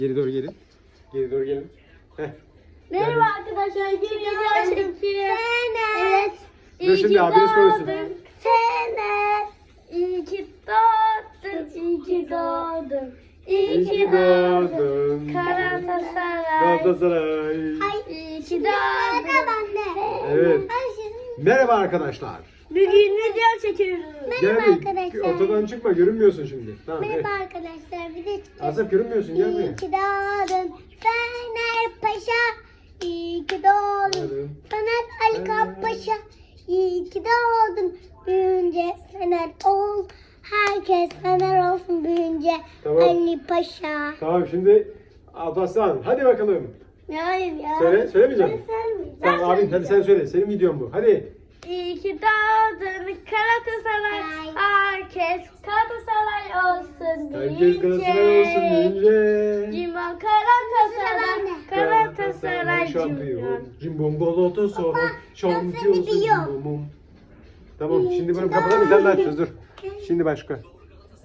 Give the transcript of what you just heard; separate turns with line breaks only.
Geri doğru gelin. Geri doğru gelin. Heh.
Merhaba arkadaşlar, bir video çekiyorum. Evet.
Dur şimdi abiniz konuşsun.
Sene. İyi ki doğdun, iyi ki doğdun.
İyi ki doğdun.
Galatasaray.
Galatasaray.
İyi ki doğdun.
Evet. Merhaba arkadaşlar.
Bugün video çekiyoruz.
Gel
Merhaba
bir
arkadaşlar.
ortadan çıkma, görünmüyorsun şimdi. Tamam.
Merhaba
Evet.
arkadaşlar. Bir de
Asaf görünmüyorsun, gel buraya.
İyi ki doğdun Fener Paşa. İyi ki doğdun
Doğdun.
Fener Ali Paşa. İyi ki doğdun. Büyünce Fener ol. Herkes Fener olsun büyünce.
Tamam.
Ali Paşa.
Tamam şimdi Alparslan hadi bakalım.
Hayır ya.
Söylemeyeceğim.
Ben
Tamam abin hadi sen söyle. Senin videon bu. Hadi.
İyi ki doğdun Galatasaray. Herkes Galatasaray olsun
Herkes
deyince.
Galatasaray olsun deyince.
Cimbom Galatasaray. Galatasaray
şampiyon. Cimbom Galatasaray şampiyon.
gidiyor.
Cimbomum. Tamam şimdi bunu kapatalım. Bir tane daha açacağız dur. Şimdi başka.